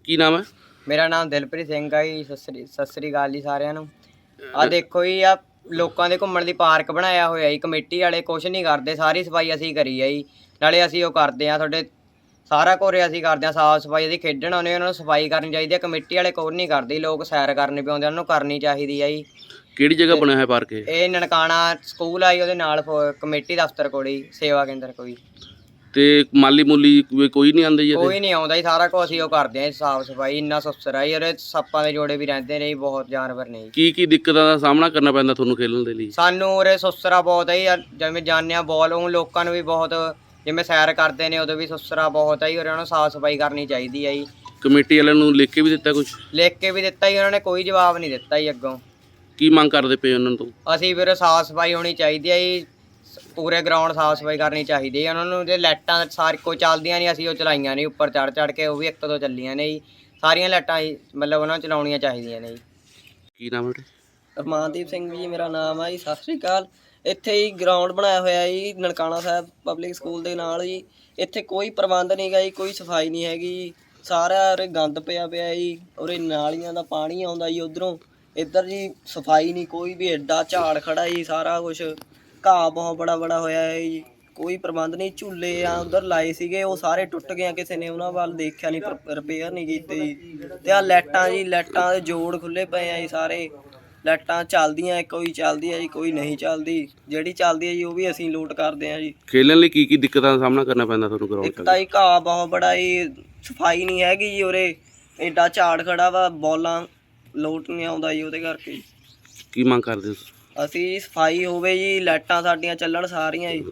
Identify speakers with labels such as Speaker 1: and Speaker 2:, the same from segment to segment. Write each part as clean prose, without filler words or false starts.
Speaker 1: ਕੀ ਨਾਮ ਹੈ?
Speaker 2: ਮੇਰਾ ਨਾਮ ਦਿਲਪ੍ਰੀਤ ਸਿੰਘ ਆ ਜੀ। ਸਤਿ ਸ੍ਰੀ ਅਕਾਲ ਜੀ ਸਾਰਿਆਂ ਨੂੰ। ਆ ਦੇਖੋ ਜੀ, ਆ ਲੋਕਾਂ ਦੇ ਘੁੰਮਣ ਦੀ ਪਾਰਕ ਬਣਾਇਆ ਹੋਇਆ ਜੀ। ਕਮੇਟੀ ਵਾਲੇ ਕੁਛ ਨਹੀਂ ਕਰਦੇ, ਸਾਰੀ ਸਫਾਈ ਅਸੀਂ ਕਰੀ ਆ ਜੀ। ਨਾਲੇ ਅਸੀਂ ਉਹ ਕਰਦੇ ਆ, ਤੁਹਾਡੇ ਸਾਰਾ ਘੋਰੇ ਅਸੀਂ ਕਰਦੇ ਹਾਂ ਸਾਫ਼ ਸਫਾਈ। ਅਸੀਂ ਖੇਡਣ ਆਉਂਦੇ ਉਹਨਾਂ ਨੂੰ ਸਫਾਈ ਕਰਨੀ ਚਾਹੀਦੀ ਹੈ। ਕਮੇਟੀ ਵਾਲੇ ਕੋਈ ਨਹੀਂ ਕਰਦੇ, ਲੋਕ ਸੈਰ ਕਰਨੇ ਪਏ ਆਉਂਦੇ, ਉਹਨਾਂ ਨੂੰ ਕਰਨੀ ਚਾਹੀਦੀ ਆ ਜੀ।
Speaker 1: ਕਿਹੜੀ ਜਗ੍ਹਾ ਬਣਿਆ ਹੋਇਆ ਪਾਰਕ
Speaker 2: ਇਹ ਨਨਕਾਣਾ ਸਕੂਲ ਆ ਜੀ, ਉਹਦੇ ਨਾਲ ਕਮੇਟੀ ਦਫ਼ਤਰ ਕੋਲ ਹੀ ਸੇਵਾ ਕੇਂਦਰ ਕੋਈ।
Speaker 1: ਤੇ ਮਾਲੀ ਮੂਲੀ ਕੋਈ ਨਹੀਂ ਆਉਂਦਾ ਜੀ?
Speaker 2: ਕੋਈ ਨਹੀਂ ਆਉਂਦਾ ਜੀ, ਸਾਰਾ ਕੁਝ ਅਸੀਂ ਉਹ ਕਰਦੇ ਹਾਂ ਸਾਫ਼ ਸਫਾਈ। ਇੰਨਾ ਸੁਸਰਾ ਜੀ, ਉਹਦੇ ਸੱਪਾਂ ਦੇ ਜੋੜੇ ਵੀ ਰਹਿੰਦੇ ਨੇ ਜੀ, ਬਹੁਤ ਜਾਨਵਰ ਨੇ ਜੀ।
Speaker 1: ਕੀ ਦਿੱਕਤਾਂ ਦਾ ਸਾਹਮਣਾ ਕਰਨਾ ਪੈਂਦਾ ਤੁਹਾਨੂੰ ਖੇਲਣ ਦੇ ਲਈ?
Speaker 2: ਸਾਨੂੰ ਉਰੇ ਸੁਸਰਾ ਬਹੁਤ ਹੈ ਜੀ, ਜਿਵੇਂ ਜਾਂਦੇ ਹਾਂ ਬੋਲ ਉਹ ਲੋਕਾਂ ਨੂੰ ਵੀ ਬਹੁਤ, ਜਿਵੇਂ ਸੈਰ ਕਰਦੇ ਨੇ ਉਦੋਂ ਵੀ ਸੁਸਰਾ ਬਹੁਤ ਹੈ ਜੀ। ਉਹਨਾਂ ਨੂੰ ਸਾਫ਼ ਸਫਾਈ ਕਰਨੀ ਚਾਹੀਦੀ ਹੈ ਜੀ।
Speaker 1: ਕਮੇਟੀ ਵਾਲਿਆਂ ਨੂੰ ਲਿਖ ਕੇ ਵੀ ਦਿੱਤਾ ਕੁਝ?
Speaker 2: ਲਿਖ ਕੇ ਵੀ ਦਿੱਤਾ ਜੀ, ਉਹਨਾਂ ਨੇ ਕੋਈ ਜਵਾਬ ਨਹੀਂ ਦਿੱਤਾ ਜੀ ਅੱਗੋਂ।
Speaker 1: ਕੀ ਮੰਗ ਕਰਦੇ ਪਏ ਉਹਨਾਂ ਤੋਂ?
Speaker 2: ਅਸੀਂ ਵੀਰੇ ਸਾਫ਼ ਸਫਾਈ ਹੋਣੀ ਚਾਹੀਦੀ ਹੈ ਜੀ, ਪੂਰੇ ਗਰਾਊਂਡ ਸਾਫ਼ ਸਫਾਈ ਕਰਨੀ ਚਾਹੀਦੀ ਹੈ। ਉਹਨਾਂ ਨੂੰ ਜੇ ਲਾਈਟਾਂ ਸਾਰੀ ਕੋਈ ਚੱਲਦੀਆਂ ਨਹੀਂ, ਅਸੀਂ ਉਹ ਚਲਾਈਆਂ ਨਹੀਂ ਉੱਪਰ ਚੜ੍ਹ ਕੇ, ਉਹ ਵੀ ਇੱਕ ਦੋ ਚੱਲੀਆਂ ਨੇ ਜੀ। ਸਾਰੀਆਂ ਲਾਈਟਾਂ ਮਤਲਬ ਉਹਨਾਂ ਨੂੰ ਚਲਾਉਣੀਆਂ ਚਾਹੀਦੀਆਂ ਨੇ ਜੀ।
Speaker 1: ਕੀ ਨਾਮ ਹੈ?
Speaker 3: ਰਮਾਨਦੀਪ ਸਿੰਘ ਜੀ ਮੇਰਾ ਨਾਮ ਆ ਜੀ। ਸਤਿ ਸ੍ਰੀ ਅਕਾਲ। ਇੱਥੇ ਹੀ ਗਰਾਊਂਡ ਬਣਾਇਆ ਹੋਇਆ ਜੀ ਨਨਕਾਣਾ ਸਾਹਿਬ ਪਬਲਿਕ ਸਕੂਲ ਦੇ ਨਾਲ ਜੀ। ਇੱਥੇ ਕੋਈ ਪ੍ਰਬੰਧ ਨਹੀਂ ਗਾ ਜੀ, ਕੋਈ ਸਫਾਈ ਨਹੀਂ ਹੈਗੀ ਜੀ। ਸਾਰਾ ਉਰੇ ਗੰਦ ਪਿਆ ਜੀ। ਉਰੇ ਨਾਲੀਆਂ ਦਾ ਪਾਣੀ ਆਉਂਦਾ ਜੀ ਉੱਧਰੋਂ, ਇੱਧਰ ਜੀ ਸਫਾਈ ਨਹੀਂ ਕੋਈ ਵੀ। ਐਡਾ ਝਾੜ ਖੜਾ ਜੀ, ਸਾਰਾ ਕੁਛ ਘਾਹ ਬਹੁਤ ਬੜਾ ਹੋਇਆ ਹੈ ਜੀ। ਕੋਈ ਪ੍ਰਬੰਧ ਨਹੀਂ। ਝੂਲੇ ਆ ਉੱਧਰ ਲਾਏ ਸੀਗੇ, ਉਹ ਸਾਰੇ ਟੁੱਟ ਗਏ, ਕਿਸੇ ਨੇ ਉਹਨਾਂ ਵੱਲ ਦੇਖਿਆ ਨਹੀਂ, ਰਿਪੇਅਰ ਨਹੀਂ ਕੀਤੇ ਜੀ। ਤੇ ਆ ਲਾਈਟਾਂ ਜੀ, ਲਾਈਟਾਂ ਦੇ ਜੋੜ ਖੁੱਲੇ ਪਏ ਆ ਜੀ ਸਾਰੇ। ਲਾਈਟਾਂ ਚੱਲਦੀਆਂ, ਕੋਈ ਚੱਲਦੀ ਹੈ ਜੀ, ਕੋਈ ਨਹੀਂ ਚੱਲਦੀ। ਜਿਹੜੀ ਚੱਲਦੀ ਹੈ ਜੀ ਉਹ ਵੀ ਅਸੀਂ ਲੋਟ ਕਰਦੇ ਹਾਂ ਜੀ।
Speaker 1: ਖੇਲਣ ਲਈ ਕੀ ਦਿੱਕਤਾਂ ਦਾ ਸਾਹਮਣਾ ਕਰਨਾ ਪੈਂਦਾ ਤੁਹਾਨੂੰ ਗਰਾਊਂਡ 'ਚ?
Speaker 3: ਇੱਕ ਤਾਂ ਜੀ ਘਾਹ ਬਹੁਤ ਬੜਾ ਜੀ, ਸਫਾਈ ਨਹੀਂ ਹੈਗੀ ਜੀ ਉਰੇ। ਐਡਾ ਝਾੜ ਖੜਾ ਵਾ, ਬੋਲਾਂ ਲੋਟ ਨਹੀਂ ਆਉਂਦਾ ਜੀ, ਉਹਦੇ ਕਰਕੇ।
Speaker 1: ਕੀ ਮੰਗ ਕਰਦੇ ਹੋ?
Speaker 3: ਅਸੀਂ ਸਫਾਈ ਹੋਵੇ ਜੀ, ਲਾਈਟਾਂ ਸਾਡੀਆਂ ਚੱਲਣ ਸਾਰੀਆਂ ਜੀ।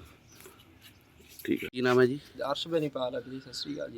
Speaker 1: ਠੀਕ ਹੈ। ਕੀ ਨਾਮ ਹੈ ਜੀ?
Speaker 4: ਅਰਸ਼ ਬੈਨੀਪਾਲ ਜੀ। ਸਤਿ ਸ਼੍ਰੀ ਅਕਾਲ ਜੀ।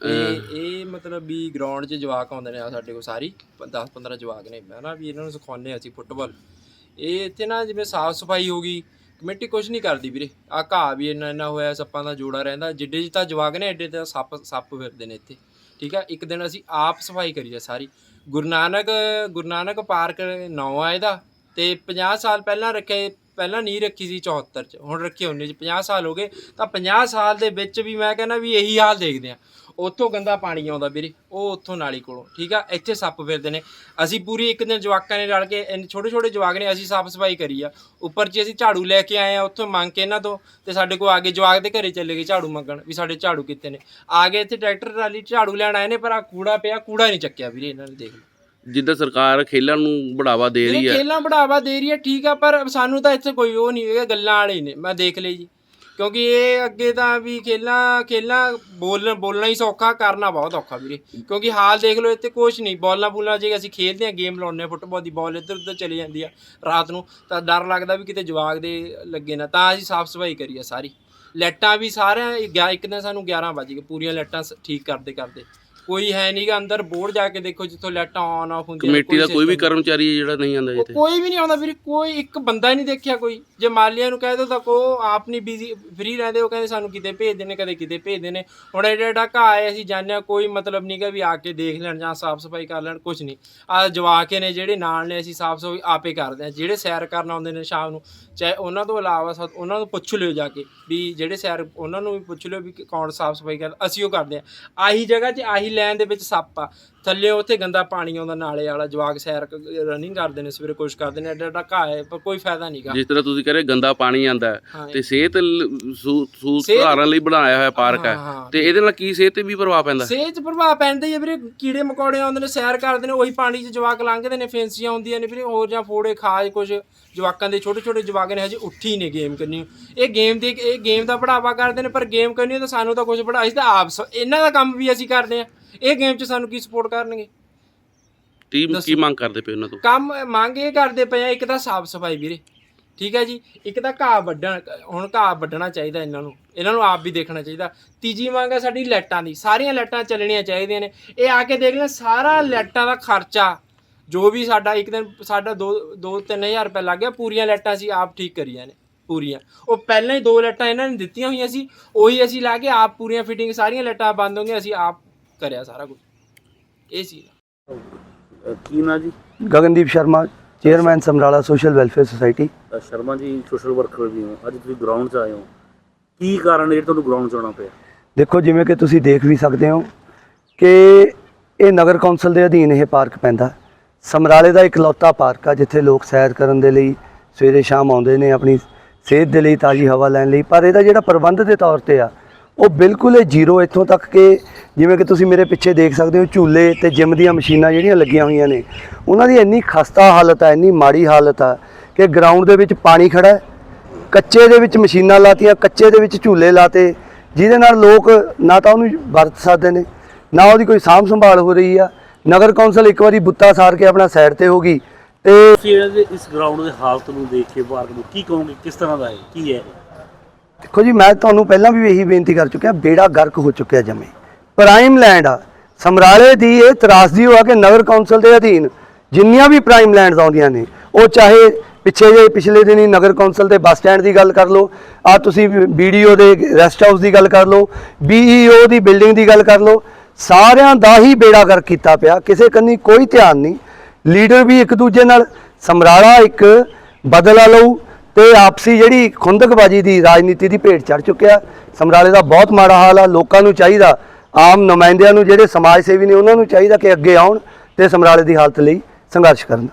Speaker 4: ਇਹ ਮਤਲਬ ਵੀ ਗਰਾਊਂਡ 'ਚ ਜਵਾਕ ਆਉਂਦੇ ਨੇ ਸਾਡੇ ਕੋਲ, ਸਾਰੀ 10-15 ਜਵਾਕ ਨੇ ਹੈ ਨਾ, ਵੀ ਇਹਨਾਂ ਨੂੰ ਸਿਖਾਉਂਦੇ ਅਸੀਂ ਫੁੱਟਬਾਲ। ਇਹ ਇੱਥੇ ਨਾ ਜਿਵੇਂ ਸਾਫ਼ ਸਫਾਈ ਹੋ ਗਈ, ਕਮੇਟੀ ਕੁਛ ਨਹੀਂ ਕਰਦੀ ਵੀਰੇ। ਆਹ ਘਾਹ ਵੀ ਇੰਨਾ ਹੋਇਆ, ਸੱਪਾਂ ਦਾ ਜੋੜਾ ਰਹਿੰਦਾ। ਜਿੱਡੇ ਜਿੱਦਾਂ ਜਵਾਕ ਨੇ ਐਡੇ ਤਾਂ ਸੱਪ ਫਿਰਦੇ ਨੇ ਇੱਥੇ। ਠੀਕ ਆ, ਇੱਕ ਦਿਨ ਅਸੀਂ ਆਪ ਸਫਾਈ ਕਰੀ ਆ ਸਾਰੀ। ਗੁਰੂ ਨਾਨਕ ਪਾਰਕ ਨਾਂ ਆ ਇਹਦਾ, ਤੇ 50 ਸਾਲ ਪਹਿਲਾਂ ਪਹਿਲਾਂ ਨਹੀਂ ਰੱਖੀ ਸੀ 74 'ਚ, ਹੁਣ ਰੱਖੀ 19 'ਚ। 50 ਸਾਲ ਹੋ ਗਏ, ਤਾਂ 50 ਸਾਲ ਦੇ ਵਿੱਚ ਵੀ ਮੈਂ ਕਹਿੰਦਾ ਵੀ ਇਹੀ ਹਾਲ ਦੇਖਦੇ ਹਾਂ। ਉੱਥੋਂ ਗੰਦਾ ਪਾਣੀ ਆਉਂਦਾ ਵੀਰੇ, ਉਹ ਉੱਥੋਂ ਨਾਲੀ ਕੋਲੋਂ। ਠੀਕ ਆ, ਇੱਥੇ ਸੱਪ ਫਿਰਦੇ ਨੇ। ਅਸੀਂ ਪੂਰੀ ਇੱਕ ਦਿਨ ਜਵਾਕਾਂ ਨੇ ਰਲ ਕੇ, ਛੋਟੇ ਜਵਾਕ ਨੇ, ਅਸੀਂ ਸਾਫ਼ ਸਫਾਈ ਕਰੀ ਆ। ਉੱਪਰ 'ਚ ਅਸੀਂ ਝਾੜੂ ਲੈ ਕੇ ਆਏ ਆ ਉੱਥੋਂ ਮੰਗ ਕੇ ਇਹਨਾਂ ਤੋਂ, ਤੇ ਸਾਡੇ ਕੋਲ ਆ ਗਏ ਜਵਾਕ ਦੇ ਘਰੇ ਚਲੇ ਗਏ ਝਾੜੂ ਮੰਗਣ, ਵੀ ਸਾਡੇ ਝਾੜੂ ਕਿੱਥੇ ਨੇ। ਆ ਗਏ ਇੱਥੇ ਟਰੈਕਟਰ ਟਰਾਲੀ ਝਾੜੂ ਲੈਣ ਆਏ ਨੇ, ਪਰ ਆ ਕੂੜਾ ਪਿਆ, ਕੂੜਾ ਨਹੀਂ ਚੱਕਿਆ ਵੀਰੇ ਇਹਨਾਂ ਨੇ। ਦੇਖ ਲਓ,
Speaker 1: ਜਿੱਦਾਂ ਸਰਕਾਰ ਖੇਲਾਂ ਨੂੰ ਬੜਾਵਾ ਦੇ ਰਹੀ ਹੈ,
Speaker 4: ਖੇਲਾਂ ਬੜਾਵਾ ਦੇ ਰਹੀ ਹੈ, ਠੀਕ ਆ, ਪਰ ਸਾਨੂੰ ਤਾਂ ਇੱਥੇ ਕੋਈ ਉਹ ਨਹੀਂ ਹੈਗਾ, ਗੱਲਾਂ ਵਾਲੇ ਨੇ। ਮੈਂ ਦੇਖ ਲਈ ਜੀ, ਕਿਉਂਕਿ ਇਹ ਅੱਗੇ ਤਾਂ ਵੀ ਖੇਲਾਂ ਬੋਲਣਾ ਹੀ ਸੌਖਾ, ਕਰਨਾ ਬਹੁਤ ਔਖਾ ਵੀਰੇ। ਕਿਉਂਕਿ ਹਾਲ ਦੇਖ ਲਓ, ਇੱਥੇ ਕੁਛ ਨਹੀਂ। ਬੋਲਾਂ ਜੇ ਅਸੀਂ ਖੇਡਦੇ ਹਾਂ, ਗੇਮ ਲਾਉਂਦੇ ਹਾਂ ਫੁੱਟਬਾਲ ਦੀ, ਬਾਲ ਇੱਧਰ ਉੱਧਰ ਚਲੀ ਜਾਂਦੀ ਆ ਰਾਤ ਨੂੰ, ਤਾਂ ਡਰ ਲੱਗਦਾ ਵੀ ਕਿਤੇ ਜਵਾਕ ਦੇ ਲੱਗੇ ਨਾ। ਤਾਂ ਅਸੀਂ ਸਾਫ਼ ਸਫਾਈ ਕਰੀ ਆ ਸਾਰੀ। ਲਾਈਟਾਂ ਵੀ ਸਾਰਿਆਂ ਇੱਕ ਦਿਨ ਸਾਨੂੰ 11 ਵਜ ਗਏ, ਪੂਰੀਆਂ ਲਾਈਟਾਂ ਠੀਕ ਕਰਦੇ ਕੋਈ ਹੈ ਨਹੀਂ ਗਾ ਅੰਦਰ। ਬੋਰਡ ਜਾ ਕੇ ਦੇਖੋ ਜਿੱਥੋਂ ਲਾਈਟਾਂ ਆਨ ਆਫ ਹੁੰਦੀਆਂ।
Speaker 1: ਕਮੇਟੀ ਦਾ ਕੋਈ ਵੀ ਕਰਮਚਾਰੀ ਜਿਹੜਾ ਨਹੀਂ ਆਉਂਦਾ ਇੱਥੇ?
Speaker 4: ਕੋਈ ਵੀ ਨਹੀਂ ਆਉਂਦਾ ਵੀਰੇ, ਕੋਈ ਇੱਕ ਬੰਦਾ ਹੀ ਨਹੀਂ ਦੇਖਿਆ ਕੋਈ। ਜੇ ਮਾਲੀਆਂ ਨੂੰ ਕਹਿ ਦੋ ਤਾਂ ਉਹ ਆਪ ਨਹੀਂ ਬਿਜ਼ੀ ਫਰੀ ਰਹਿੰਦੇ, ਉਹ ਕਹਿੰਦੇ ਸਾਨੂੰ ਕਿਤੇ ਭੇਜਦੇ ਨੇ, ਕਦੇ ਕਿਤੇ ਭੇਜਦੇ ਨੇ। ਹੁਣ ਐਡਾ ਘਾਹ ਹੈ, ਅਸੀਂ ਜਾਂਦੇ ਹਾਂ, ਕੋਈ ਮਤਲਬ ਨਹੀਂ ਗਾ ਵੀ ਆ ਕੇ ਦੇਖ ਲੈਣ ਜਾਂ ਸਾਫ਼ ਸਫਾਈ ਕਰ ਲੈਣ, ਕੁਛ ਨਹੀਂ। ਆਹ ਜਵਾਕੇ ਨੇ ਜਿਹੜੇ ਨਾਲ ਨੇ, ਅਸੀਂ ਸਾਫ਼ ਸਫਾਈ ਆਪੇ ਕਰਦੇ ਹਾਂ। ਜਿਹੜੇ ਸੈਰ ਕਰਨ ਆਉਂਦੇ ਨੇ ਸ਼ਾਮ ਨੂੰ, ਚਾਹੇ ਉਹਨਾਂ ਤੋਂ ਇਲਾਵਾ ਉਹਨਾਂ ਨੂੰ ਪੁੱਛ ਲਿਓ ਜਾ ਕੇ, ਵੀ ਜਿਹੜੇ ਸੈਰ, ਉਹਨਾਂ ਨੂੰ ਵੀ ਪੁੱਛ ਲਿਓ ਵੀ ਕੌਣ ਸਾਫ਼ ਸਫਾਈ ਕਰਦਾ। ਅਸੀਂ ਉਹ ਕਰਦੇ ਹਾਂ। ਆਹੀ ਜਗ੍ਹਾ 'ਚ, ਆਹੀ ਲਾਈਨ ਦੇ ਵਿੱਚ ਸੱਪ ਆ ਥੱਲੇ, ਉੱਥੇ ਗੰਦਾ ਪਾਣੀ ਆਉਂਦਾ ਨਾਲੇ ਵਾਲਾ। ਜਵਾਕ ਸੈਰ ਰਨਿੰਗ ਕਰਦੇ ਨੇ ਸਵੇਰੇ, ਕੁਛ ਕਰਦੇ ਨੇ, ਐਡਾ ਘਾਹ ਹੈ, ਪਰ ਕੋਈ ਫਾਇਦਾ ਨਹੀਂ ਗਾ।
Speaker 1: ਜਿਸ ਤਰ੍ਹਾਂ ਤੁਸੀਂ ਕਹਿ ਰਹੇ ਗੰਦਾ ਪਾਣੀ ਆਉਂਦਾ ਤੇ ਸਿਹਤ ਸੁਧਾਰਨ ਲਈ ਬਣਾਇਆ ਹੋਇਆ ਪਾਰਕ ਹੈ, ਤੇ ਇਹਦੇ ਨਾਲ ਕੀ ਸਿਹਤ ਤੇ ਵੀ ਪ੍ਰਭਾਵ ਪੈਂਦਾ?
Speaker 4: ਸਿਹਤ 'ਚ ਪ੍ਰਭਾਵ ਪੈਂਦਾ ਹੀ ਹੈ ਵੀਰੇ। ਕੀੜੇ ਮਕੌੜੇ ਆਉਂਦੇ ਨੇ, ਸੈਰ ਕਰਦੇ ਨੇ, ਉਹੀ ਪਾਣੀ 'ਚ ਜਵਾਕ ਲੰਘਦੇ ਨੇ, ਫੈਂਸੀਆਂ ਹੁੰਦੀਆਂ ਨੇ ਵੀਰੇ, ਹੋਰ ਜਾਂ ਫੋੜੇ ਖਾਜ ਕੁਛ। ਜਵਾਕਾਂ ਦੇ ਛੋਟੇ ਜਵਾਕ ਨੇ, ਹਜੇ ਉੱਠੀ ਨੇ ਗੇਮ ਕਰਨੀ। ਇਹ ਗੇਮ ਦਾ ਬੜਾਵਾ ਕਰਦੇ ਨੇ, ਪਰ ਗੇਮ ਕਰਨੀ ਤਾਂ ਸਾਨੂੰ ਤਾਂ ਕੁਛ ਬੜਾ, ਅਸੀਂ ਤਾਂ ਆਪ ਇਹਨਾਂ ਦਾ ਕੰਮ ਵੀ ਅਸੀਂ ਕਰਦੇ ਹਾਂ। ਇਹ ਗੇਮ 'ਚ ਸਾਨੂੰ ਕੀ ਸਪੋਰਟ ਕਰਨਗੇ?
Speaker 1: ਟੀਮ ਕੀ ਮੰਗ ਕਰਦੇ ਪਏ ਉਹਨਾਂ ਤੋਂ?
Speaker 4: ਕੰਮ ਮੰਗ ਇਹ ਕਰਦੇ ਪਏ ਆ, ਇੱਕ ਤਾਂ ਸਾਫ਼ ਸਫਾਈ ਵੀਰੇ, ਠੀਕ ਹੈ ਜੀ। ਇੱਕ ਤਾਂ ਘਾਹ ਵੱਢਣਾ ਚਾਹੀਦਾ ਇਹਨਾਂ ਨੂੰ ਆਪ ਵੀ ਦੇਖਣਾ ਚਾਹੀਦਾ। ਤੀਜੀ ਮੰਗ ਹੈ ਸਾਡੀ ਲਾਈਟਾਂ ਦੀ, ਸਾਰੀਆਂ ਲਾਈਟਾਂ ਚੱਲਣੀਆਂ ਚਾਹੀਦੀਆਂ ਨੇ। ਇਹ ਆ ਕੇ ਦੇਖ ਲੈਣ, ਸਾਰਾ ਲਾਈਟਾਂ ਦਾ ਖਰਚਾ ਜੋ ਵੀ ਸਾਡਾ, ਇੱਕ ਦਿਨ ਸਾਡਾ 2-3 ਹਜ਼ਾਰ ਰੁਪਏ ਲੱਗ ਗਿਆ। ਪੂਰੀਆਂ ਲਾਈਟਾਂ ਅਸੀਂ ਆਪ ਠੀਕ ਕਰੀਆਂ ਨੇ, ਪੂਰੀਆਂ। ਉਹ ਪਹਿਲਾਂ ਹੀ 2 ਲਾਈਟਾਂ ਇਹਨਾਂ ਨੇ ਦਿੱਤੀਆਂ ਹੋਈਆਂ ਸੀ, ਉਹੀ ਅਸੀਂ ਲਾ ਕੇ ਆਪ ਪੂਰੀਆਂ ਫਿਟਿੰਗ, ਸਾਰੀਆਂ ਲਾਈਟਾਂ ਬੰਦ ਹੋ ਗਈਆਂ, ਅਸੀਂ ਆਪ ਕਰਿਆ ਸਾਰਾ ਕੁਝ। ਇਹ ਸੀ।
Speaker 1: ਕੀ ਨਾ ਜੀ?
Speaker 5: Gagandeep Sharma, chairman Samrala social welfare society.
Speaker 1: Sharma ji social worker ਵੀ ਹੋ, ਅੱਜ ਤੁਸੀਂ ਗਰਾਊਂਡ 'ਚ ਆਏ ਹੋ, ਕੀ ਕਾਰਨ ਹੈ ਤੁਹਾਨੂੰ ਗਰਾਊਂਡ 'ਚ ਆਉਣਾ ਪਿਆ?
Speaker 5: ਦੇਖੋ, ਜਿਵੇਂ ਕਿ ਤੁਸੀਂ ਦੇਖ ਵੀ ਸਕਦੇ ਹੋ ਕਿ ਇਹ ਨਗਰ ਕੌਂਸਲ ਦੇ ਅਧੀਨ ਇਹ ਪਾਰਕ ਪੈਂਦਾ। ਸਮਰਾਲੇ ਦਾ ਇਕਲੌਤਾ ਪਾਰਕ ਆ ਜਿੱਥੇ ਲੋਕ ਸੈਰ ਕਰਨ ਦੇ ਲਈ ਸਵੇਰੇ ਸ਼ਾਮ ਆਉਂਦੇ ਨੇ, ਆਪਣੀ ਸਿਹਤ ਦੇ ਲਈ, ਤਾਜ਼ੀ ਹਵਾ ਲੈਣ ਲਈ। ਪਰ ਇਹਦਾ ਜਿਹੜਾ ਪ੍ਰਬੰਧ ਦੇ ਤੌਰ ਤੇ ਆ ਉਹ ਬਿਲਕੁਲ ਹੀ ਜ਼ੀਰੋ। ਇੱਥੋਂ ਤੱਕ ਕਿ ਜਿਵੇਂ ਕਿ ਤੁਸੀਂ ਮੇਰੇ ਪਿੱਛੇ ਦੇਖ ਸਕਦੇ ਹੋ, ਝੂਲੇ ਤੇ ਜਿਮ ਦੀਆਂ ਮਸ਼ੀਨਾਂ ਜਿਹੜੀਆਂ ਲੱਗੀਆਂ ਹੋਈਆਂ ਨੇ, ਉਹਨਾਂ ਦੀ ਇੰਨੀ ਖਸਤਾ ਹਾਲਤ ਆ, ਇੰਨੀ ਮਾੜੀ ਹਾਲਤ ਆ ਕਿ ਗਰਾਊਂਡ ਦੇ ਵਿੱਚ ਪਾਣੀ ਖੜਾ ਹੈ, ਕੱਚੇ ਦੇ ਵਿੱਚ ਮਸ਼ੀਨਾਂ ਲਾਤੀਆਂ, ਕੱਚੇ ਦੇ ਵਿੱਚ ਝੂਲੇ ਲਾਤੇ, ਜਿਹਦੇ ਨਾਲ ਲੋਕ ਨਾ ਤਾਂ ਉਹਨੂੰ ਵਰਤ ਸਕਦੇ ਨੇ, ਨਾ ਉਹਦੀ ਕੋਈ ਸਾਂਭ ਸੰਭਾਲ ਹੋ ਰਹੀ ਆ। ਨਗਰ ਕੌਂਸਲ ਇੱਕ ਵਾਰੀ ਬੁੱਤਾ ਸਾਰ ਕੇ ਆਪਣਾ ਸਾਈਡ ਤੇ ਹੋ ਗਈ। ਤੇ
Speaker 6: ਤੁਸੀਂ ਇਸ ਗਰਾਊਂਡ ਦੀ ਹਾਲਤ ਨੂੰ ਦੇਖ ਕੇ ਪਾਰਕ ਨੂੰ ਕੀ ਕਹੋਗੇ, ਕਿਸ ਤਰ੍ਹਾਂ ਦਾ ਹੈ, ਕੀ ਹੈ?
Speaker 5: ਦੇਖੋ ਜੀ, ਮੈਂ ਤੁਹਾਨੂੰ ਪਹਿਲਾਂ ਵੀ ਇਹੀ ਬੇਨਤੀ ਕਰ ਚੁੱਕਿਆ, ਬੇੜਾ ਗਰਕ ਹੋ ਚੁੱਕਿਆ ਜਮੇ। ਪ੍ਰਾਈਮ ਲੈਂਡ ਆ ਸਮਰਾਲੇ ਦੀ। ਇਹ ਤਰਾਸਦੀ ਹੋਆ ਕਿ ਨਗਰ ਕੌਂਸਲ ਦੇ ਅਧੀਨ ਜਿੰਨੀਆਂ ਵੀ ਪ੍ਰਾਈਮ ਲੈਂਡਸ ਆਉਂਦੀਆਂ ਨੇ, ਉਹ ਚਾਹੇ ਪਿਛਲੇ ਦਿਨੀ ਨਗਰ ਕੌਂਸਲ ਦੇ ਬੱਸ ਸਟੈਂਡ ਦੀ ਗੱਲ ਕਰ ਲਓ, ਆ ਤੁਸੀਂ BDO ਦੇ ਰੈਸਟ ਹਾਊਸ ਦੀ ਗੱਲ ਕਰ ਲਓ, BEO ਦੀ ਬਿਲਡਿੰਗ ਦੀ ਗੱਲ ਕਰ ਲਓ, ਸਾਰਿਆਂ ਦਾ ਹੀ ਬੇੜਾ ਗਰਕ ਕੀਤਾ ਪਿਆ। ਕਿਸੇ ਕੰਨੀ ਕੋਈ ਧਿਆਨ ਨਹੀਂ। ਲੀਡਰ ਵੀ ਇੱਕ ਦੂਜੇ ਨਾਲ, ਸਮਰਾਲਾ ਇੱਕ ਬਦਲਾ ਲਊ ਤੇ ਆਪਸੀ ਜਿਹੜੀ ਖੁੰਦਕਬਾਜੀ ਦੀ ਰਾਜਨੀਤੀ ਦੀ ਭੇਟ ਚੜ ਚੁੱਕਿਆ। ਸਮਰਾਲੇ ਦਾ ਬਹੁਤ ਮਾੜਾ ਹਾਲ ਆ। ਲੋਕਾਂ ਨੂੰ ਚਾਹੀਦਾ, ਆਮ ਨੁਮਾਇੰਦਿਆਂ ਨੂੰ, ਜਿਹੜੇ ਸਮਾਜ ਸੇਵੀ ਨੇ, ਉਹਨਾਂ ਨੂੰ ਚਾਹੀਦਾ ਕਿ ਅੱਗੇ ਆਉਣ ਤੇ ਸਮਰਾਲੇ ਦੀ ਹਾਲਤ ਲਈ ਸੰਘਰਸ਼ ਕਰਨ।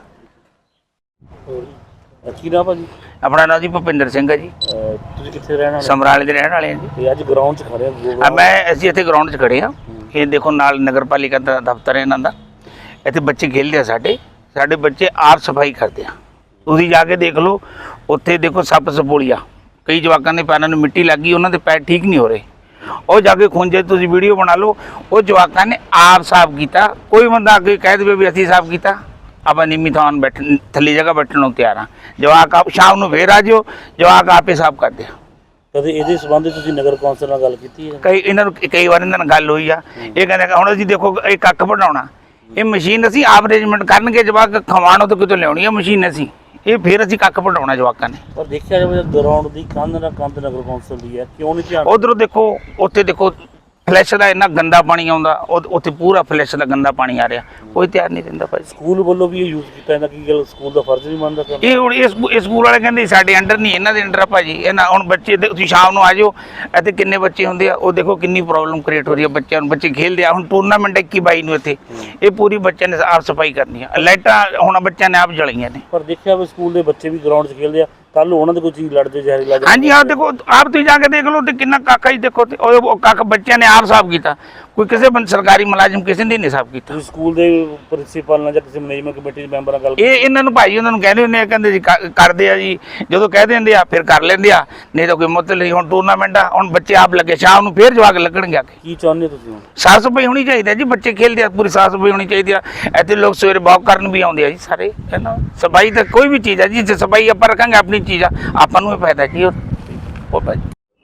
Speaker 6: ਕੀ ਨਾਮ ਭਾਜੀ?
Speaker 7: ਆਪਣਾ ਨਾਮ ਜੀ ਭੁਪਿੰਦਰ ਸਿੰਘ ਹੈ ਜੀ।
Speaker 6: ਤੁਸੀਂ ਕਿੱਥੇ ਰਹਿਣ ਵਾਲੇ?
Speaker 7: ਸਮਰਾਲੇ ਦੇ ਰਹਿਣ ਵਾਲੇ ਹਾਂ ਜੀ।
Speaker 6: ਤੇ ਅੱਜ ਗਰਾਊਂਡ 'ਚ ਖੜੇ ਹੋ?
Speaker 7: ਅਸੀਂ ਇੱਥੇ ਗਰਾਊਂਡ 'ਚ ਖੜੇ ਹਾਂ। ਇਹ ਦੇਖੋ ਨਾਲ ਨਗਰਪਾਲਿਕਾ ਦਾ ਦਫ਼ਤਰ ਹੈ ਇਹਨਾਂ ਦਾ। ਇੱਥੇ ਬੱਚੇ ਖੇਡਦੇ ਆ, ਸਾਡੇ ਬੱਚੇ ਆਪ ਸਫਾਈ ਕਰਦੇ ਆ। ਤੁਸੀਂ ਜਾ ਕੇ ਦੇਖ ਲਓ, ਉੱਥੇ ਦੇਖੋ ਸੱਪ ਸਪੋਲੀਆ, ਕਈ ਜਵਾਕਾਂ ਦੇ ਪੈਰਾਂ ਨੂੰ ਮਿੱਟੀ ਲੱਗ ਗਈ, ਉਹਨਾਂ ਦੇ ਪੈਰ ਠੀਕ ਨਹੀਂ ਹੋ ਰਹੇ। ਉਹ ਜਾ ਕੇ ਖੁੰਝੇ, ਤੁਸੀਂ ਵੀਡੀਓ ਬਣਾ ਲਓ, ਉਹ ਜਵਾਕਾਂ ਨੇ ਆਪ ਸਾਫ਼ ਕੀਤਾ। ਕੋਈ ਬੰਦਾ ਅੱਗੇ ਕਹਿ ਦੇਵੇ ਵੀ ਅਸੀਂ ਸਾਫ਼ ਕੀਤਾ, ਆਪਾਂ ਨੀਵੀਂ ਥਾਂ ਬੈਠਣ, ਥੱਲੇ ਜਗ੍ਹਾ ਬੈਠਣ ਨੂੰ ਤਿਆਰ ਹਾਂ। ਜਵਾਕ ਆਪ ਸ਼ਾਮ ਨੂੰ ਫੇਰ ਆ ਜਿਓ, ਜਵਾਕ ਆਪੇ ਸਾਫ਼ ਕਰਦੇ ਆ।
Speaker 6: ਕਦੇ ਇਹਦੇ ਸੰਬੰਧ ਤੁਸੀਂ ਨਗਰ ਕੌਂਸਲ ਨਾਲ ਗੱਲ ਕੀਤੀ ਹੈ?
Speaker 7: ਕਈ ਵਾਰ ਇਹਨਾਂ ਨਾਲ ਗੱਲ ਹੋਈ ਆ। ਇਹ ਕਹਿੰਦੇ ਹੁਣ ਅਸੀਂ ਦੇਖੋ ਇਹ ਕੱਖ ਬਣਾਉਣਾ, ਇਹ ਮਸ਼ੀਨ ਅਸੀਂ ਆਪ ਅਰੇਂਜਮੈਂਟ ਕਰਨਗੇ, ਜਵਾਕ ਖਵਾਣੋ ਤੋਂ ਕਿਤੋਂ ਲਿਆਉਣੀ ਆ ਮਸ਼ੀਨ ਅਸੀਂ, ਇਹ ਫਿਰ ਅਸੀਂ ਕੱਖ ਬਣਾਉਣਾ ਜਵਾਕਾਂ ਨੇ।
Speaker 6: ਪਰ ਦੇਖਿਆ ਜਾਵੇ ਗਰਾਊਂਡ ਦੀ ਕੰਧ ਨਗਰ ਕੌਂਸਲ ਦੀ ਹੈ, ਕਿਉਂ ਨਹੀਂ ਧਿਆਨ?
Speaker 7: ਉਧਰੋਂ ਦੇਖੋ, ਉੱਥੇ ਦੇਖੋ ਫਲੈਸ਼ ਦਾ ਇੰਨਾ ਗੰਦਾ ਪਾਣੀ ਆਉਂਦਾ, ਉੱਥੇ ਪੂਰਾ ਫਲੈਸ਼ ਦਾ ਗੰਦਾ ਪਾਣੀ ਆ ਰਿਹਾ, ਕੋਈ ਧਿਆਨ ਨਹੀਂ ਦਿੰਦਾ ਭਾਈ।
Speaker 6: ਸਕੂਲ ਵੱਲੋਂ ਵੀ ਇਹ ਯੂਜ਼ ਕੀਤਾ ਜਾਂਦਾ, ਕੀ ਗੱਲ ਸਕੂਲ ਦਾ ਫਰਜ਼ ਨਹੀਂ ਮੰਨਦਾ?
Speaker 7: ਇਹ ਹੁਣ ਇਹ ਸਕੂਲ ਵਾਲੇ ਕਹਿੰਦੇ ਸਾਡੇ ਅੰਡਰ ਨਹੀਂ, ਇਹਨਾਂ ਦੇ ਅੰਡਰ ਆ ਭਾਜੀ। ਇਹਨਾਂ ਹੁਣ ਬੱਚੇ ਤੁਸੀਂ ਸ਼ਾਮ ਨੂੰ ਆ ਜਾਓ, ਇੱਥੇ ਕਿੰਨੇ ਬੱਚੇ ਹੁੰਦੇ ਆ, ਉਹ ਦੇਖੋ ਕਿੰਨੀ ਪ੍ਰੋਬਲਮ ਕ੍ਰੀਏਟ ਹੋ ਰਹੀ ਹੈ ਬੱਚਿਆਂ ਨੂੰ। ਬੱਚੇ ਖੇਡਦੇ ਆ, ਹੁਣ ਟੂਰਨਾਮੈਂਟ 21-22 ਨੂੰ ਇੱਥੇ, ਇਹ ਪੂਰੀ ਬੱਚਿਆਂ ਨੇ ਆਪ ਸਫਾਈ ਕਰਨੀ ਆ। ਲਾਈਟਾਂ ਹੁਣ ਬੱਚਿਆਂ ਨੇ ਆਪ ਜਲਾਈਆਂ ਨੇ।
Speaker 6: ਪਰ ਦੇਖਿਆ ਵੀ ਸਕੂਲ ਦੇ ਬੱਚੇ ਵੀ ਗਰਾਊਂਡ 'ਚ ਖੇਡਦੇ ਆ, ਕੱਲ ਉਹਨਾਂ ਦੇ ਕੋਈ ਚੀਜ਼ ਲੜਦੇ ਜ਼ਹਿਰੀ ਲੱਗ
Speaker 7: ਹਾਂਜੀ ਆਹ ਦੇਖੋ, ਆਪ ਤੁਸੀਂ ਜਾ ਕੇ ਦੇਖ ਲਓ ਤੇ ਕਿੰਨਾ ਕੱਖ ਹੀ ਦੇਖੋ, ਤੇ ਉਹ ਕੱਖ ਬੱਚਿਆਂ ਨੇ ਆਪ ਸਾਫ਼ ਕੀਤਾ। ਕੋਈ ਕਿਸੇ ਸਰਕਾਰੀ ਮੁਲਾਜ਼ਮ ਕਿਸੇ ਨੇ ਨਹੀਂ ਸਾਫ਼ ਕੀਤਾ।
Speaker 6: ਤੁਸੀਂ ਸਕੂਲ ਦੇ ਪ੍ਰਿੰਸੀਪਲ ਨਾਲ ਜਾਂ ਕਿਸੇ ਮੈਨੇਜਮੈਂਟ ਕਮੇਟੀ ਦੇ ਮੈਂਬਰਾਂ ਨਾਲ ਗੱਲ?
Speaker 7: ਇਹਨਾਂ ਨੂੰ ਭਾਈ ਉਹਨਾਂ ਨੂੰ ਕਹਿੰਦੇ ਹੁੰਦੇ ਆ, ਕਹਿੰਦੇ ਜੀ ਕਰਦੇ ਆ ਜੀ, ਜਦੋਂ ਕਹਿ ਦਿੰਦੇ ਆ ਫਿਰ ਕਰ ਲੈਂਦੇ ਆ, ਨਹੀਂ ਤਾਂ ਕੋਈ ਮਤਲਬ ਨਹੀਂ। ਹੁਣ ਟੂਰਨਾਮੈਂਟ ਆ, ਹੁਣ ਬੱਚੇ ਆਪ ਲੱਗੇ, ਸ਼ਾਮ ਨੂੰ ਫਿਰ ਜਵਾਕ ਲੱਗਣਗੇ ਆ ਕੇ।
Speaker 6: ਕੀ ਚਾਹੁੰਦੇ ਤੁਸੀਂ ਹੁਣ?
Speaker 7: ਸਾਫ਼ ਸਫਾਈ ਹੋਣੀ ਚਾਹੀਦੀ ਹੈ ਜੀ, ਬੱਚੇ ਖੇਡਦੇ ਆ, ਪੂਰੀ ਸਾਫ਼ ਸਫਾਈ ਹੋਣੀ ਚਾਹੀਦੀ ਆ। ਇੱਥੇ ਲੋਕ ਸਵੇਰੇ ਵਾਕ ਕਰਨ ਵੀ ਆਉਂਦੇ ਆ ਜੀ ਸਾਰੇ, ਹੈ ਨਾ। ਸਫਾਈ ਤਾਂ ਕੋਈ ਵੀ ਚੀਜ਼ ਆ ਜੀ, ਜੇ ਸਫਾਈ ਆਪਾਂ ਰੱਖਾਂਗੇ ਆਪਣੀ ਚੀਜ਼ ਆ, ਆਪਾਂ ਨੂੰ ਇਹ ਫਾਇਦਾ ਜੀ। ਉਹ ਭਾਈ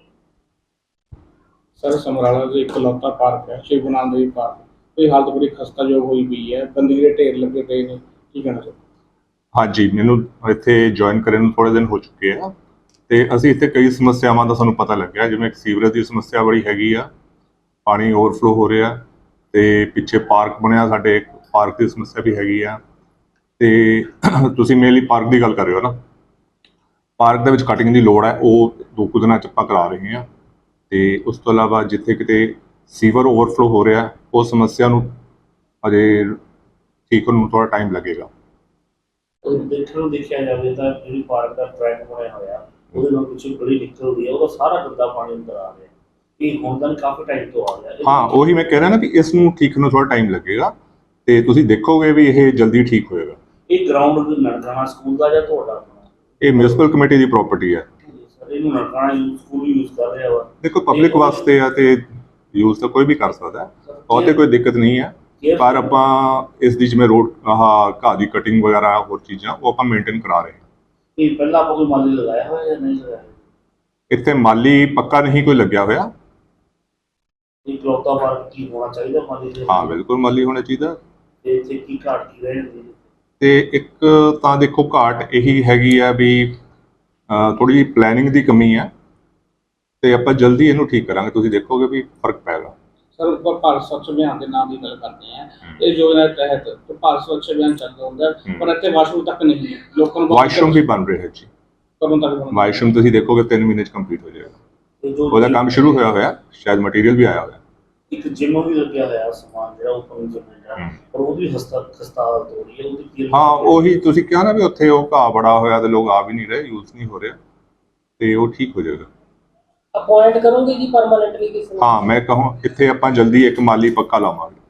Speaker 8: ਸਰ, ਸਮਰਾਲਾ ਦਾ ਇਕਲੌਤਾ ਪਾਰਕ ਹੈ, ਸ਼ਿਵ ਗੁਰੂ ਨਾਨਕ ਦੇਵ ਪਾਰਕ। ਇਹ ਹਾਲਤ ਬੜੀ ਖਸਤਾਯੋਗ ਹੋਈ ਪਈ ਹੈ, ਗੰਦਗੀ ਦੇ ਢੇਰ ਲੱਗੇ ਪਏ ਨੇ, ਕੀ ਕਹਿਣਾ ਚਾਹੁੰਦੇ?
Speaker 9: ਹਾਂਜੀ, ਮੈਨੂੰ ਇੱਥੇ ਜੁਆਇਨ ਕਰਨ ਨੂੰ ਥੋੜ੍ਹੇ ਦਿਨ ਹੋ ਚੁੱਕੇ ਆ ਤੇ ਅਸੀਂ ਇੱਥੇ ਕਈ ਸਮੱਸਿਆਵਾਂ ਦਾ ਸਾਨੂੰ ਪਤਾ ਲੱਗਿਆ, ਜਿਵੇਂ ਇੱਕ ਸੀਵਰੇਜ ਦੀ ਸਮੱਸਿਆ ਬੜੀ ਹੈਗੀ ਆ, ਪਾਣੀ ਓਵਰਫਲੋ ਹੋ ਰਿਹਾ ਤੇ ਪਿੱਛੇ ਪਾਰਕ ਬਣਿਆ, ਸਾਡੇ ਇੱਕ ਪਾਰਕ ਦੀ ਸਮੱਸਿਆ ਵੀ ਹੈਗੀ ਆ। ਤੇ ਤੁਸੀਂ ਮੇਨਲੀ ਪਾਰਕ ਦੀ ਗੱਲ ਕਰ ਰਹੇ ਹੋ ਨਾ, ਪਾਰਕ ਦੇ ਵਿੱਚ ਕਟਿੰਗ ਦੀ ਲੋੜ ਹੈ, ਉਹ 2 ਕੁ ਦਿਨਾਂ 'ਚ ਆਪਾਂ ਕਰਾ ਰਹੇ ਹਾਂ। ਤੇ ਉਸ ਤੋਂ ਇਲਾਵਾ ਜਿੱਥੇ ਕਿਤੇ ਸੀਵਰ ਓਵਰਫਲੋ ਹੋ ਰਿਹਾ, ਉਹ ਸਮੱਸਿਆ ਨੂੰ ਅਜੇ ਠੀਕ ਹੋਣ ਨੂੰ ਥੋੜ੍ਹਾ ਟਾਈਮ ਲੱਗੇਗਾ।
Speaker 6: ਦੇਖਿਆ ਜਾਵੇ ਤਾਂ ਜਿਹੜੀ ਪਾਰਕ ਦਾ ਟਰੈਕ ਬਣਿਆ ਹੋਇਆ, ਉਹਦੇ ਨਾਲ ਪਿੱਛੇ ਬੜੀ ਨਿਕਲਦੀ ਹੈ, ਉਹਦਾ ਸਾਰਾ ਗੰਦਾ ਪਾਣੀ ਅੰਦਰ ਆ ਰਿਹਾ। ਇਹ ਹੁਣ ਤਾਂ ਕਾਫੀ ਟਾਈਮ ਤੋਂ ਆ ਰਿਹਾ।
Speaker 9: ਹਾਂ, ਉਹੀ ਮੈਂ ਕਹਿ ਰਿਹਾ ਨਾ ਵੀ ਇਸ ਨੂੰ ਠੀਕ ਨੂੰ ਥੋੜ੍ਹਾ ਟਾਈਮ ਲੱਗੇਗਾ ਤੇ ਤੁਸੀਂ ਦੇਖੋਗੇ ਵੀ ਇਹ ਜਲਦੀ ਠੀਕ ਹੋਏਗਾ।
Speaker 6: ਇਹ ਗਰਾਊਂਡ ਨਨਕਾਣਾ ਸਕੂਲ ਦਾ ਜਾਂ ਤੁਹਾਡਾ?
Speaker 9: ਇਹ ਮਿਊਨਿਸਪਲ ਕਮੇਟੀ ਦੀ ਪ੍ਰਾਪਰਟੀ ਹੈ।
Speaker 6: ਇਹਨੂੰ ਨਨਕਾਣਾ ਸਕੂਲ ਵੀ ਯੂਜ਼ ਕਰ ਰਿਹਾ ਵਾ।
Speaker 9: ਦੇਖੋ, ਪਬਲਿਕ ਵਾਸਤੇ ਆ ਤੇ ਯੂਜ਼ ਤਾਂ ਕੋਈ ਵੀ ਕਰ ਸਕਦਾ, ਉਹ ਤੇ ਕੋਈ ਦਿੱਕਤ ਨਹੀਂ ਹੈ। ਪਰ ਆਪਾਂ ਇਸ ਦੀ ਜਿਵੇਂ ਰੋਡ ਘਾਹ ਦੀ ਕਟਿੰਗ ਵਗੈਰਾ ਹੋਰ ਚੀਜ਼ਾਂ ਉਹ ਆਪਾਂ ਮੇਨਟੇਨ ਕਰਾ ਰਹੇ ਹਾਂ।
Speaker 6: ਇਹ ਪਹਿਲਾਂ ਆਪਾਂ ਕੋਈ ਮਾਲੀ ਲਗਾਇਆ ਹੋਇਆ ਜਾਂ ਨਹੀਂ ਲਗਾਇਆ?
Speaker 9: ਇੱਥੇ ਮਾਲੀ ਪੱਕਾ ਨਹੀਂ ਕੋਈ ਲੱਗਿਆ ਹੋਇਆ।
Speaker 6: ਇਹ ਇਕਲੌਤਾ ਪਾਰਕ ਕੀ ਹੋਣਾ ਚਾਹੀਦਾ ਮਾਲੀ ਦੇ?
Speaker 9: ਹਾਂ, ਬਿਲਕੁਲ ਮਾਲੀ ਹੋਣਾ ਚਾਹੀਦਾ।
Speaker 6: ਤੇ ਇੱਥੇ ਕੀ ਘਾਟ ਕੀ ਰਹਿ ਜਾਂਦੀ ਹੈ?
Speaker 9: ਤੇ ਇੱਕ ਤਾਂ ਦੇਖੋ ਘਾਟ ਇਹੀ ਹੈਗੀ ਆ ਵੀ ਥੋੜ੍ਹੀ ਜਿਹੀ ਪਲੈਨਿੰਗ ਦੀ ਕਮੀ ਹੈ ਤੇ ਆਪਾਂ ਜਲਦੀ ਇਹਨੂੰ ਠੀਕ ਕਰਾਂਗੇ, ਤੁਸੀਂ ਦੇਖੋਗੇ ਵੀ ਫਰਕ ਪਏਗਾ।
Speaker 8: ਸਰ, ਭਾਰਤ ਸਵੱਛ ਅਭਿਆਨ ਦੇ ਨਾਮ ਦੀ ਗੱਲ ਕਰਦੇ ਆ, ਇਹ ਯੋਜਨਾ ਦੇ ਤਹਿਤ ਭਾਰਤ ਸਵੱਛ ਅਭਿਆਨ ਚੱਲਦਾ ਹੁੰਦਾ, ਪਰ ਇੱਥੇ ਵਾਸ਼ਰੂਮ ਤੱਕ ਨਹੀਂ ਹੈ। ਲੋਕਾਂ ਨੂੰ
Speaker 9: ਵਾਸ਼ਰੂਮ ਵੀ ਬਣ ਰਿਹਾ ਜੀ,
Speaker 8: ਕਦੋਂ ਤੱਕ?
Speaker 9: ਵਾਸ਼ਰੂਮ ਤੁਸੀਂ ਦੇਖੋਗੇ 3 ਮਹੀਨੇ 'ਚ ਕੰਪਲੀਟ ਹੋ ਜਾਏਗਾ। ਉਹਦਾ ਕੰਮ ਸ਼ੁਰੂ ਹੋਇਆ, ਸ਼ਾਇਦ ਮਟੀਰੀਅਲ ਵੀ ਆਇਆ ਹੋਇਆ।
Speaker 6: ਇੱਕ ਜਿਮ ਵੀ ਲੱਗਿਆ ਹੋਇਆ ਸਮਾਨ ਜਿਹੜਾ ਓਪਨ ਜਿਮ ਹੈ, ਪਰ ਉਹ ਵੀ ਖਸਤਾ ਹਾਲਤ ਹੋ ਰਹੀ ਹੈ, ਉਹਦੀ ਕੀ
Speaker 9: ਹਾਂ ਉਹੀ ਤੁਸੀਂ ਕਿਹਾ ਨਾ ਵੀ ਉੱਥੇ ਉਹ ਘਾਹ ਬੜਾ ਹੋਇਆ ਤੇ ਲੋਕ ਆ ਵੀ ਨਹੀਂ ਰਹੇ, ਯੂਜ਼ ਨਹੀਂ ਹੋ ਰਿਹਾ, ਤੇ ਉਹ ਠੀਕ ਹੋ ਜਾਏਗਾ।
Speaker 10: ਅਪਾਇੰਟ ਕਰੋਗੇ ਜੀ ਪਰਮਾਨੈਂਟਲੀ ਕਿਸੇ ਨੂੰ?
Speaker 9: ਹਾਂ ਮੈਂ ਕਹਾਂ ਇੱਥੇ ਆਪਾਂ ਜਲਦੀ ਇੱਕ ਮਾਲੀ ਪੱਕਾ ਲਾਵਾਂਗੇ।